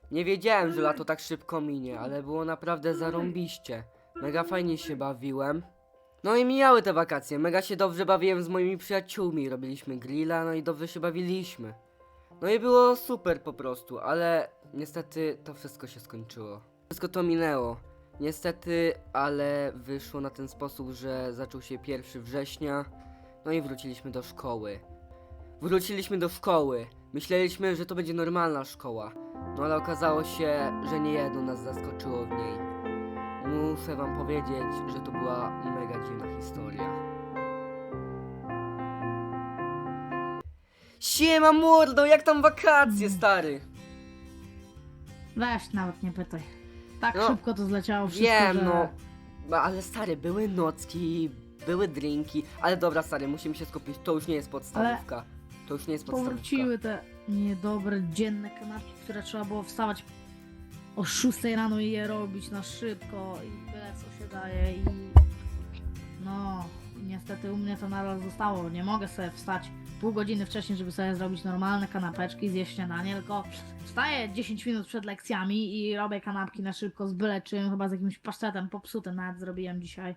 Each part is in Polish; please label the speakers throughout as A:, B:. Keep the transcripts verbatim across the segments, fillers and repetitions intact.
A: Nie wiedziałem, że lato tak szybko minie, ale było naprawdę zarąbiście. Mega fajnie się bawiłem. No i mijały te wakacje, mega się dobrze bawiłem z moimi przyjaciółmi, robiliśmy grilla, no i dobrze się bawiliśmy. No i było super po prostu, ale niestety to wszystko się skończyło. Wszystko to minęło. Niestety, ale wyszło na ten sposób, że zaczął się pierwszego września, no i wróciliśmy do szkoły. Wróciliśmy do szkoły. Myśleliśmy, że to będzie normalna szkoła. No ale okazało się, że nie jedno nas zaskoczyło w niej. Muszę wam powiedzieć, że to była mega dziwna historia. Siema mordo, jak tam wakacje, stary?
B: Weź, nawet nie pytaj. Tak
A: No,
B: szybko to zleciało wszystko,
A: Wiem,
B: że...
A: no. No, ale stary, były nocki, były drinki, ale dobra stary, musimy się skupić, to już nie jest podstawówka. To już nie jest podstawówka.
B: Powróciły te niedobre, dzienne kanapki, które trzeba było wstawać o szóstej rano i je robić na szybko i byle co się daje i... No, niestety u mnie to nadal zostało. Nie mogę sobie wstać pół godziny wcześniej, żeby sobie zrobić normalne kanapeczki, zjeść śniadanie, tylko wstaję dziesięć minut przed lekcjami i robię kanapki na szybko z byle czym, chyba z jakimś pasztetem popsutym nawet zrobiłem dzisiaj.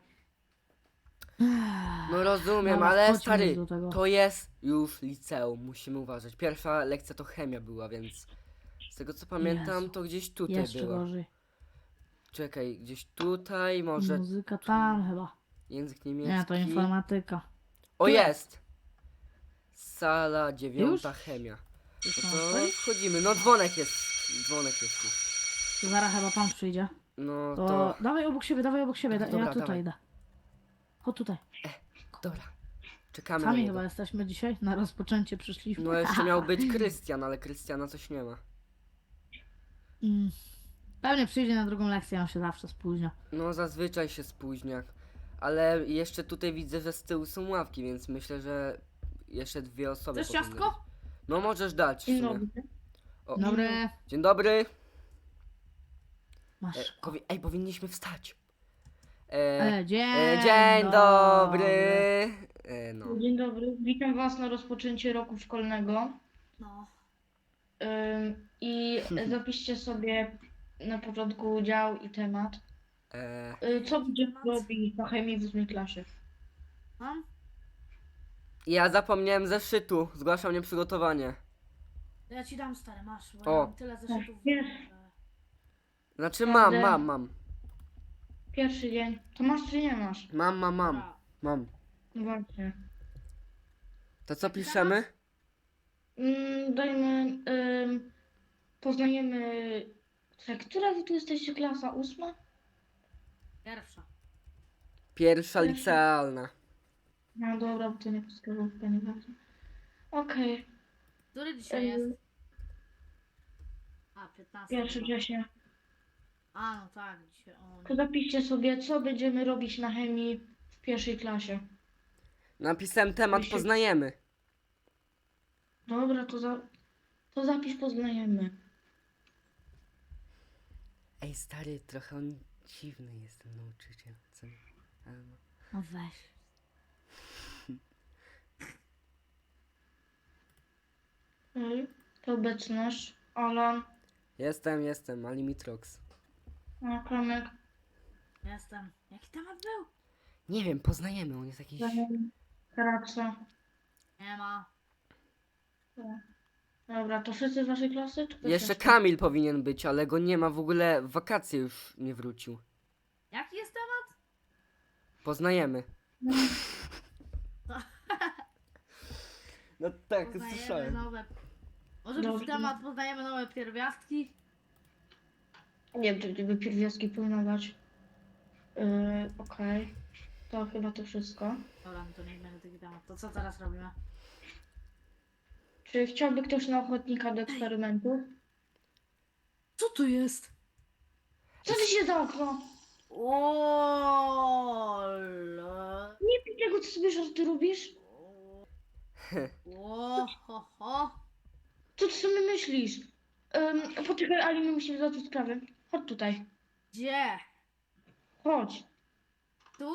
A: No rozumiem,
B: Dobra,
A: ale
B: chodźmy
A: stary,
B: do tego.
A: to jest już liceum, musimy uważać. Pierwsza lekcja to chemia była, więc z tego co pamiętam,
B: Jezu,
A: to gdzieś tutaj
B: Jeszcze
A: była.
B: gorzej.
A: Czekaj, gdzieś tutaj, może
B: Muzyka tam chyba.
A: język niemiecki.
B: Nie, to informatyka.
A: O,
B: Tu
A: jest! Sala dziewiąta,
B: Już?
A: chemia.
B: Już
A: No
B: mam
A: to
B: otworzyć?
A: wchodzimy, no dzwonek jest, dzwonek jest już.
B: To zaraz chyba pan przyjdzie.
A: No
B: To,
A: to,
B: dawaj obok siebie, dawaj obok siebie. Da,
A: Dobra,
B: ja tutaj
A: dawaj.
B: idę. Chodź tutaj.
A: dobra, czekamy na
B: Sami
A: niego.
B: chyba jesteśmy dzisiaj. Na rozpoczęcie przyszliśmy.
A: No jeszcze miał być Krystian, ale Krystiana coś nie ma.
B: Mm. Pewnie przyjdzie na drugą lekcję, on się zawsze spóźnia.
A: No zazwyczaj się spóźnia. Ale jeszcze tutaj widzę, że z tyłu są ławki, więc myślę, że jeszcze dwie osoby
B: Chcesz
A: powinny
B: ciastko?
A: być. No możesz dać w
C: Dzień
A: sumie.
C: dobry.
A: O,
B: Dobry.
A: Dzień dobry. E,
B: Masz.
A: powi ej, powinniśmy wstać. E,
B: E, dzień,
A: e, dzień dobry. E, no.
C: Dzień dobry. Witam Was na rozpoczęcie roku szkolnego.
B: No.
C: Ym, I zapiszcie sobie na początku dział i temat.
A: E,
C: Y, Co będziemy robić na chemii w ósmej klasie?
B: Mam?
A: ja zapomniałem zeszytu. Zgłaszam nieprzygotowanie.
B: Ja ci dam stary, masz. Bo
A: O.
B: ja mam tyle zeszytów.
C: Jest.
B: że-
A: Znaczy mam,
C: Jadę.
A: mam, mam.
C: Pierwszy dzień. To masz czy nie masz?
A: Mam, mam, mam.
B: Dobra.
A: Mam.
C: No właśnie.
A: To co piszemy?
C: Ym, dajmy... Ym, poznajemy... Czekaj, która wy tu jesteście klasa? Ósma?
B: Pierwsza.
A: Pierwsza
C: Pierwsza.
A: licealna.
C: No dobra, bo to nie podstawówka, nie ważne. Okej.
B: Który dzisiaj
C: Ym,
B: jest? A, piętnasty.
C: Pierwszy
B: chyba.
C: września.
B: A, no tak, dzisiaj. O,
C: To zapiszcie sobie, co będziemy robić na chemii w pierwszej klasie.
A: Napisałem temat,
C: Jeśli-
A: poznajemy.
C: Dobra, to, za, to zapisz, poznajemy.
A: Ej stary, trochę on dziwny jest ten nauczyciel. Co? Ale no.
B: no weź.
C: Ej, to obecność. Alan,
A: Jestem, jestem, Alimitrox.
C: a, Klamek,
B: Jestem. Jaki temat był?
A: Nie wiem, poznajemy, on jest jakiś...
C: Daniel, Karaca.
B: Nie ma.
C: Dobra, to wszyscy z waszej klasy? Czy ktoś
A: Jeszcze
C: jeszcze?
A: Kamil powinien być, ale go nie ma w ogóle, w wakacje już nie wrócił.
B: Jaki jest temat?
A: Poznajemy.
C: No,
A: No tak,
B: Poznajemy
A: słyszałem.
B: nowe. Może
C: Dobrze.
B: być temat, poznajemy nowe pierwiastki.
C: nie wiem, czy gdyby pierwiastki powinno dać. Yy, Okej. To chyba to wszystko.
B: Dobra, no to nie będzie taki temat. To co teraz robimy?
C: Czy chciałby ktoś na ochotnika do eksperymentu?
B: Co tu jest?
C: Co ty się za okno?
B: O,
C: Nie pij tego, co sobie żarty robisz.
B: o, ho, ho.
C: Co ty sobie myślisz? Um, poczekaj, Ali, my musimy załatwić sprawę. Chodź tutaj.
B: Gdzie?
C: Chodź.
B: Tu?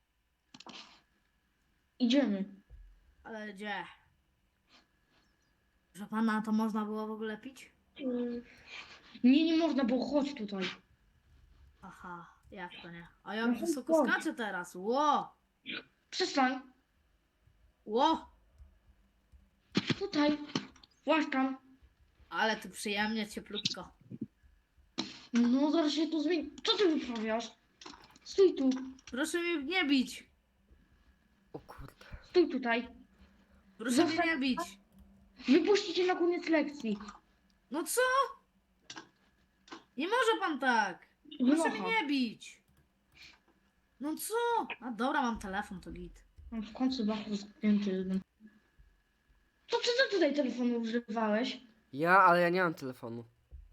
C: Idziemy.
B: Ale gdzie? Że pana to można było w ogóle pić?
C: Yy, Nie, nie można, bo chodź tutaj.
B: Aha, jak to nie? A jak
C: No
B: wysoko
C: chodź.
B: skaczę teraz. Ło!
C: Przestań.
B: Ło!
C: Tutaj. Właśnie tam.
B: Ale tu przyjemnie, cieplutko.
C: No zaraz się tu zmieni. Co ty wyprawiasz? Stój tu.
B: Proszę mnie nie bić.
A: O kurde.
C: Stój tutaj.
B: Proszę mnie
C: Zostań-
B: nie bić.
C: Wypuści cię na koniec lekcji.
B: No co? Nie może pan tak. Proszę mnie
C: Wynocha.
B: nie bić. No co? A dobra, mam telefon, to git.
C: No, w końcu bachur zdjęty jeden. To czy ty tutaj telefonu używałeś?
A: Ja, ale ja nie mam telefonu.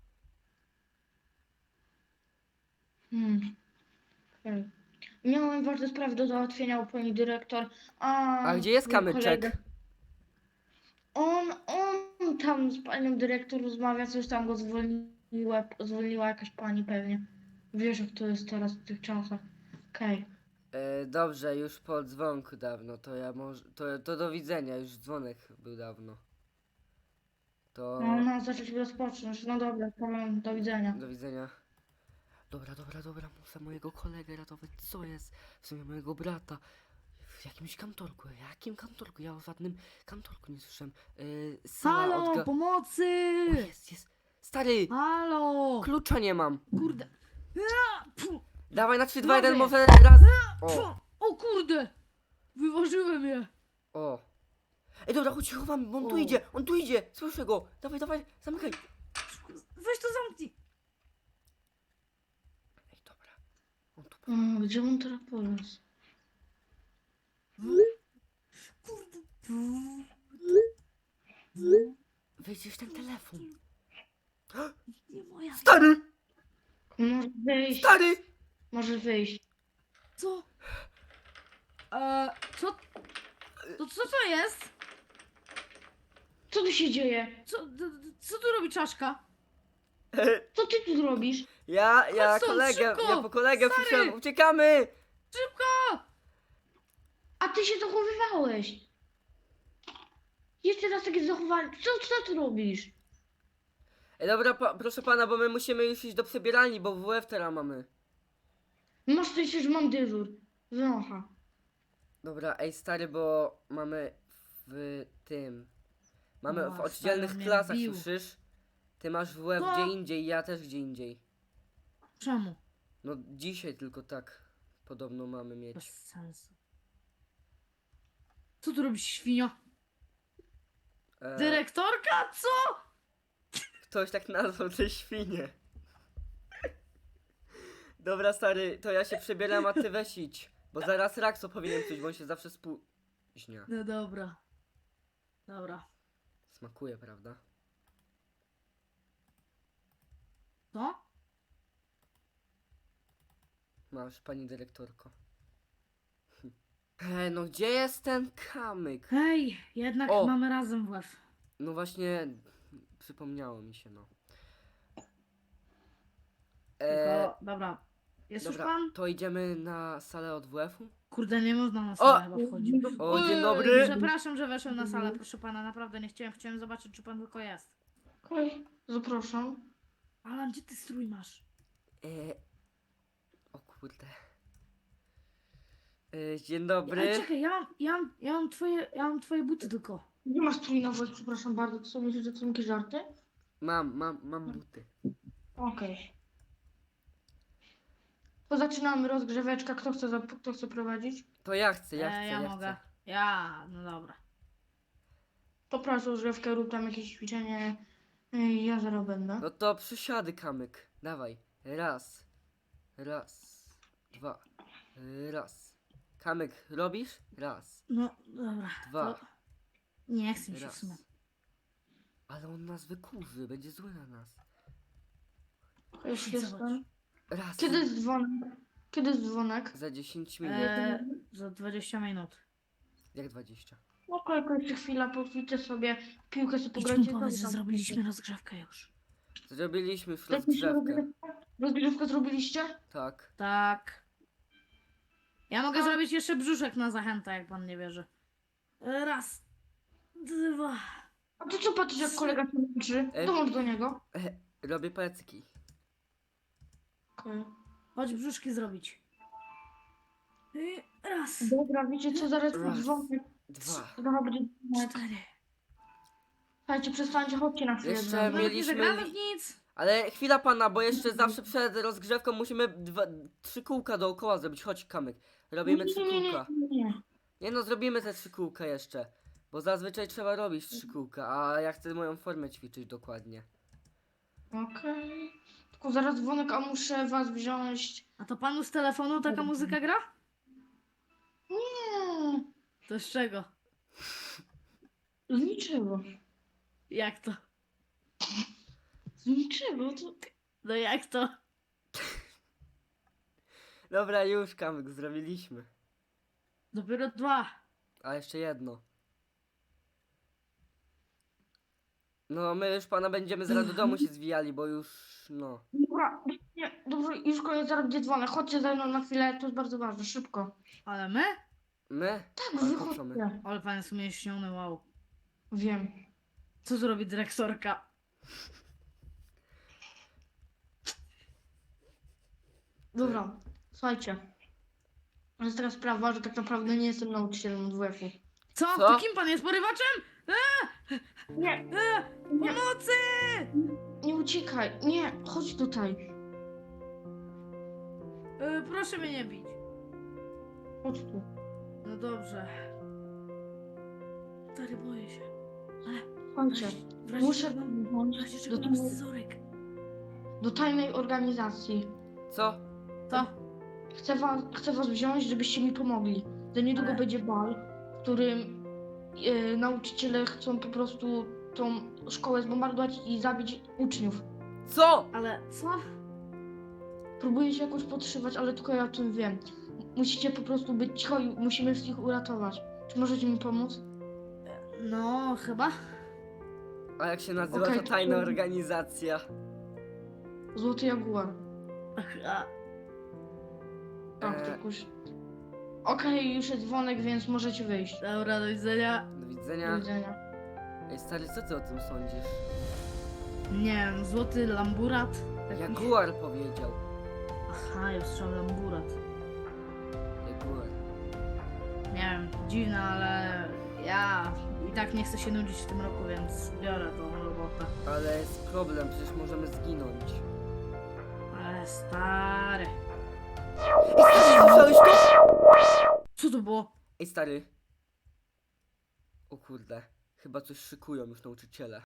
C: Hmm. Okej. Miałem ważne sprawy do załatwienia u pani dyrektor. A,
A: A gdzie jest
C: mój
A: kamyczek?
C: kolega- On, on tam z panią dyrektor rozmawia, coś tam go zwolniła, zwolniła jakaś pani pewnie. Wiesz jak to jest teraz w tych czasach. Okej.
A: E, dobrze, już po dzwonku dawno, to ja może, to, to do widzenia, już dzwonek był dawno. To
C: No, no, zacząć rozpocząć. No dobra, powiem, do widzenia.
A: do widzenia. Dobra, dobra, dobra, muszę mojego kolegę ratować, co jest? W sumie mojego brata. W jakimś kantorku, jakim kantorku? Ja o żadnym kantorku nie słyszałem. E, sala
B: Halo,
A: odga-
B: pomocy!
A: O, jest, jest. Stary,
B: Halo!
A: klucza nie mam.
B: Kurde. Ja, pu,
A: Dawaj na trzy, dwa, jeden,
B: Mogę.
A: może raz. O,
B: pu. O kurde! Wyważyłem je.
A: o. Ej, dobra, chodź, się chowamy, bo on tu
B: O.
A: idzie, on tu idzie, słyszę go. Dawaj, dawaj, zamykaj.
B: Weź to zamknij.
A: Ej, dobra. On tu...
C: O, gdzie on teraz poległ?
B: Kurde.
A: Wyjdziesz ten telefon.
B: Nie moja.
A: Stary,
C: Może wyjść,
A: stary.
C: może wyjść.
B: Co? Eee, co? To co to jest?
C: Co tu się dzieje?
B: Co, d- d- co tu robi czaszka?
C: Co ty tu robisz?
A: Ja, ja
B: Chodź stąd,
A: kolegę,
B: szybko,
A: ja po kolegę
B: stary.
A: przyszedłem, uciekamy.
B: Szybko!
C: A ty się zachowywałeś. Jeszcze raz takie zachowanie. Co, co ty robisz?
A: Ej, dobra, pa, proszę pana, bo my musimy już iść do przebieralni, bo W F teraz mamy.
C: Masz coś, że mam dyżur. Wynocha.
A: Dobra, ej stary, bo mamy w tym. Mamy
B: O,
A: w
B: stary,
A: oddzielnych
B: on mnie
A: klasach,
B: bił.
A: słyszysz? Ty masz W F
B: Co?
A: gdzie indziej, ja też gdzie indziej.
B: Czemu?
A: No dzisiaj tylko tak podobno mamy mieć.
B: Bez sensu. Co tu robisz, świnio?
A: E,
B: Dyrektorka? Co?
A: Ktoś tak nazwał te świnie. Dobra stary, to ja się przebieram, a ty weź idź. Bo zaraz Rakso powinien coś, bo on się zawsze spóźnia.
B: No dobra. Dobra.
A: Smakuje, prawda?
B: Co?
A: Masz, pani dyrektorko. Ej, no gdzie jest ten kamyk?
B: Hej, jednak
A: O!
B: mamy razem w łeb.
A: No właśnie, przypomniało mi się, no. E,
B: Tylko, dobra. Jest już
A: dobra,
B: pan?
A: to idziemy na salę od W F-u?
B: Kurde, nie można na salę chyba wchodzić.
A: O, dzień
B: Ej,
A: dobry.
B: Przepraszam, że weszłem na salę, proszę pana, naprawdę nie chciałem. Chciałem zobaczyć, czy pan tylko jest.
C: Okej, zapraszam.
B: Alan, gdzie ty strój masz?
A: E, o kurde. E, dzień dobry.
B: Ej, czekaj, ja mam, ja mam, ja mam twoje, ja mam twoje buty tylko.
C: Nie masz strój na włos, przepraszam bardzo. To są myślisz, że to są jakieś żarty?
A: Mam, mam, mam buty.
C: Okej. To zaczynamy rozgrzeweczka. Kto chce, zap- kto chce prowadzić?
A: To ja chcę, ja
B: E,
A: chcę,
B: ja
A: ja
B: mogę.
A: chcę.
B: Ja, no dobra.
C: To proszę rozgrzewkę, rób tam jakieś ćwiczenie. Ej, ja zaraz będę.
A: No to przysiady, kamyk. Dawaj. Raz. Raz. Dwa. Raz. Kamyk, robisz? Raz.
B: No, dobra.
A: Dwa.
B: To... Nie chcę mi się w
A: Raz.
B: sumie.
A: Ale on nas wykurzy, będzie zły na nas.
C: Już
B: Zobacz.
C: jestem.
A: Raz.
C: Kiedy jest dzwonek? Kiedy jest dzwonek?
A: Za dziesięć minut.
B: E, za dwadzieścia minut.
A: Jak dwadzieścia?
C: Okej, okay, jeszcze chwila, poćwiczę sobie, piłkę sobie
B: Idź mu
C: pograjcie.
B: powiedz,
C: to
B: że
C: tam-
B: zrobiliśmy rozgrzewkę już.
A: Zrobiliśmy już
C: Zrobiliście
A: rozgrzewkę.
C: rozgrzewkę? Rozgrzewkę zrobiliście?
A: Tak.
B: Tak. Ja mogę
C: A-
B: zrobić jeszcze brzuszek na zachętę, jak pan nie wierzy. E, Raz. Dwa.
C: A ty co patrzysz, jak kolega się męczy?
A: E-
C: Dołącz do niego.
A: E, Robię plecki.
C: Okej.
B: Chodź brzuszki zrobić. I raz,
C: Dobra, wiecie co, zaraz
A: Raz.
C: dzwonek.
A: Dwa.
C: Zaraz będzie dzwonek.
B: cztery.
C: Słuchajcie, przestańcie, chodźcie na chwilę.
A: Jeszcze
C: z nami.
A: mi-
B: Nawet nie
A: Mieliśmy
B: zagramy
A: li-
B: w nic.
A: Ale chwila pana, bo jeszcze zawsze przed rozgrzewką musimy dwa, trzy kółka dookoła zrobić. Chodź, Kamyk. Robimy trzy
C: nie, nie, nie,
A: kółka.
C: nie, nie.
A: Nie no, zrobimy te trzy kółka jeszcze. Bo zazwyczaj trzeba robić trzy kółka, a ja chcę moją formę ćwiczyć dokładnie.
C: Okej. Tylko zaraz dzwonek, a muszę was wziąć.
B: A to panu z telefonu taka muzyka gra?
C: Nie,
B: To z czego?
C: z niczego.
B: Jak to?
C: Z niczego, to...
B: No jak to?
A: Dobra, już Kamyk, zrobiliśmy.
B: Dopiero dwa.
A: A jeszcze jedno. No, my już pana będziemy zaraz do domu się zwijali, bo już, no.
C: Dobra, nie, dobrze, już koniec, zaraz będzie dzwonek. Chodźcie ze mną na chwilę, to jest bardzo ważne, szybko.
B: Ale my?
A: My?
C: Tak,
A: Ale po co my?
C: wychodźcie.
B: Ale pan jest umięśniony, wow.
C: Wiem.
B: Co zrobi dyrektorka?
C: Dobra, słuchajcie. To jest taka sprawa, że tak naprawdę nie jestem nauczycielem W F-u.
B: Co?
A: Co?
B: To kim pan jest? Porywaczem?
C: Nie,
B: E,
C: nie,
B: pomocy!
C: nie uciekaj, nie, chodź tutaj.
B: E, proszę mnie nie bić.
C: Chodź tu.
B: No dobrze. Stary, boję się.
C: Słuchajcie,
B: W razie
C: muszę
B: czego-
C: was
B: w
C: wziąć
B: razie
C: do,
B: czego mam
C: tajnej-
B: scyzoryk.
C: do tajnej organizacji.
A: Co?
B: To?
C: Chcę was, chcę was wziąć, żebyście mi pomogli. Za niedługo
B: Ale-
C: będzie bal, w którym e, nauczyciele chcą po prostu tą szkołę zbombardować i zabić uczniów.
A: Co?
B: Ale co?
C: Próbuję się jakoś podszywać, ale tylko ja o tym wiem. Musicie po prostu być cicho i musimy wszystkich uratować. Czy możecie mi pomóc?
B: No, chyba.
A: A jak się nazywa
C: Okej,
A: ta
C: to-
A: tajna organizacja?
C: Złoty Jaguar.
B: Ach, a,
C: Tak,
A: Eee.
C: to jakoś... Okej, już jest dzwonek, więc możecie wyjść.
B: dobra, do widzenia.
A: Do
C: Do
A: widzenia.
C: widzenia.
A: Ej stary, co ty o tym sądzisz?
B: Nie wiem, złoty lamburat. Jakiś-
A: Jaguar powiedział.
B: Aha, ja słyszałem lamburat.
A: Jaguar.
B: Nie wiem, dziwne, ale ja i tak nie chcę się nudzić w tym roku, więc biorę tą robotę.
A: Ale jest problem, przecież możemy zginąć.
B: Ale stary.
A: Ej stary, słyszałeś to?
B: Co to było?
A: Ej stary. O kurde, chyba coś szykują już nauczyciele.